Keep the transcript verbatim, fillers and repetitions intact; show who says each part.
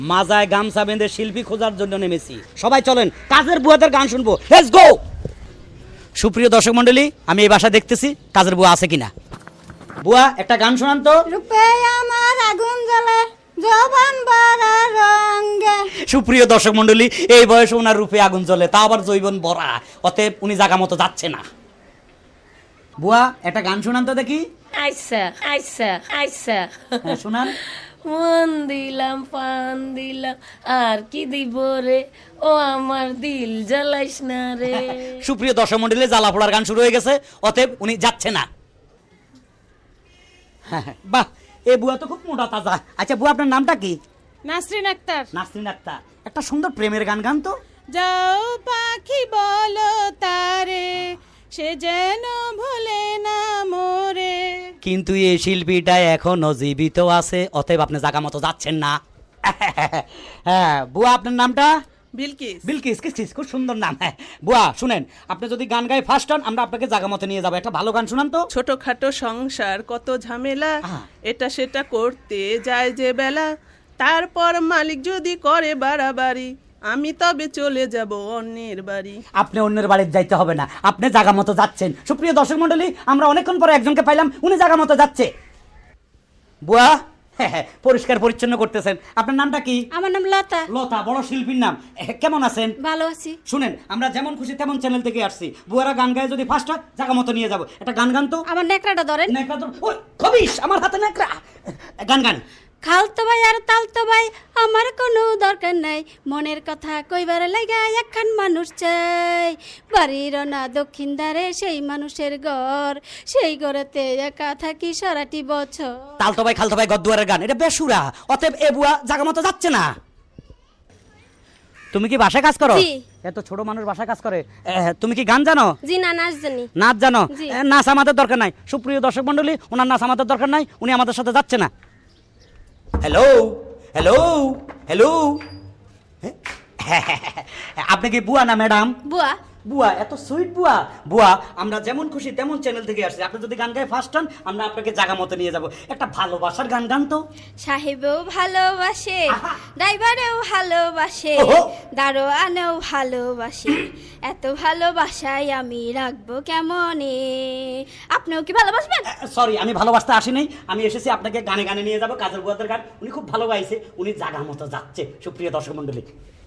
Speaker 1: মাজায় গামছা বেঁধে শিল্পী খোঁজার জন্য নেমেছি। সবাই চলেন কাজের বুয়াদের গান শুনবো, লেটস গো। সুপ্রিয় দর্শক মণ্ডলী, আমি এই বাসা দেখতেছি কাজের বুয়া আছে কিনা। বুয়া একটা গান শোনান তো।
Speaker 2: রূপে আমার আগুন জ্বলে জবান ভরা রঙে।
Speaker 1: সুপ্রিয় দর্শক মণ্ডলী, এই বয়সে ওনার রূপে আগুন জ্বলে, তা আবার জৈবন ভরা, অতএব উনি জায়গা মতো যাচ্ছে না। বুয়া একটা গান শোনান তো দেখি।
Speaker 3: আইসা আইসা আইসা
Speaker 1: হ্যাঁ, শোনান।
Speaker 3: মন দিলাম পান দিলাম আর কি দিব রে, ও আমার দিল জ্বালাইস না রে।
Speaker 1: সুপ্রিয় দর্শক মণ্ডলী, জ্বালা পোড়ার গান শুরু হয়ে গেছে, অতএব উনি যাচ্ছে না। হ্যাঁ, বাহ, এই বুয়া তো খুব মোটা তাজা। আচ্ছা বুয়া, আপনার নামটা কি?
Speaker 4: নাসরিন আক্তার।
Speaker 1: নাসরিন আক্তার, একটা সুন্দর প্রেমের গান গান তো।
Speaker 4: যাও পাখি বলো তারে, সে যেন ভোলে না মোরে।
Speaker 1: কিন্তু এই শিল্পীটা এখনো জীবিত আছে, অতএব আপনি জায়গা মতো যাচ্ছেন না। হ্যাঁ বুয়া, আপনার নামটা?
Speaker 4: বিলকিস।
Speaker 1: বিলকিস, কিস কিস, খুব সুন্দর নাম। হ্যাঁ বুয়া শুনেন, আপনি যদি গান গাই ফার্স্ট হন, আমরা আপনাকে জায়গা মতো নিয়ে যাবো। একটা ভালো গান শুনান তো।
Speaker 5: ছোটখাটো সংসার কত ঝামেলা,
Speaker 1: আহা।
Speaker 5: এটা সেটা করতে যায় যে বেলা, তারপর মালিক যদি করে বাড়াবাড়ি, আমি তবে চলে যাব অন্যের বাড়ি।
Speaker 1: আপনি অন্যের বাড়িতে যাইতে হবে না, আপনি জায়গা মতো যাচ্ছেন। সুপ্রিয় দর্শক মণ্ডলী, আমরা অনেকক্ষণ পরে একজনকে পাইলাম, উনি জায়গা মতো যাচ্ছে। বুয়া হ্যাঁ হ্যাঁ, পরিষ্কার পরিচ্ছন্ন করতেছেন। আপনার নামটা কি?
Speaker 2: আমার নাম লতা।
Speaker 1: লতা, বড় শিল্পীর নাম। এহ, কেমন আছেন?
Speaker 2: ভালো আছি।
Speaker 1: শুনেন, আমরা যেমন খুশি তেমন চ্যানেল থেকে আসছি। বুয়ারা গান গায়ে যদি ফার্স্ট হয়, জায়গা মতো নিয়ে যাবো। একটা গান গান তো।
Speaker 2: আমার নেকড়াটা ধরেন।
Speaker 1: নেকড়া তো ওই খবিস, আমার হাতে নেকড়া। গান গান।
Speaker 2: খালতো ভাই আর তালতো ভাই আমার কোনো দরকার নাই, মনের কথা কইবার লাগা একখান মানুষ চাই। বাড়ির না দক্ষিণ দ্বারে সেই মানুষের ঘর, সেই ঘরেতে একা থাকি সারাটি বছর।
Speaker 1: তালতো ভাই খালতো ভাই গদ্দুয়ারের গান, এটা বেসুরা, অতএব এ বুয়া জায়গা মতো যাচ্ছে না। তুমি কি বাসায় কাজ করো?
Speaker 2: জি।
Speaker 1: এত ছোট মানুষ বাসায় কাজ করে। এহ, তুমি কি গান জানো?
Speaker 2: জি না, নাচ জানি।
Speaker 1: নাচ জানো?
Speaker 2: জি।
Speaker 1: এ, নাচ আমাদের দরকার নাই। সুপ্রিয় দর্শক মণ্ডলী, ওনার নাচ আমাদের দরকার নাই, উনি আমাদের সাথে যাচ্ছে না। হ্যালো হ্যালো হ্যালো, আপনি কি বুয়া না ম্যাডাম?
Speaker 2: বুয়া।
Speaker 1: বুয়া, এত সুইট বুয়া। বুয়া, আমরা যেমন খুশি তেমন চ্যানেল থেকে আসছি। আপনি যদি গান গায়ে ফার্স্ট হন, আমরা আপনাকে জায়গা মতো নিয়ে যাব। একটা ভালোবাসার গান গান তো।
Speaker 2: সাহেবেও ভালোবাসে,
Speaker 1: আহা।
Speaker 2: ড্রাইভারেও ভালোবাসে,
Speaker 1: ওহো।
Speaker 2: দারোয়ানেও ভালোবাসে, এত ভালোবাসায় আমি রাখবো কেমনে। আপনিও কি ভালোবাসবেন?
Speaker 1: সরি, আমি ভালোবাসতে আসি নাই, আমি এসেছি আপনাকে গানে গানে নিয়ে যাব। কাজের বুয়াদের গান, উনি খুব ভালো গাইছে, উনি জায়গা মতো যাচ্ছে। সুপ্রিয় দর্শক মণ্ডলী।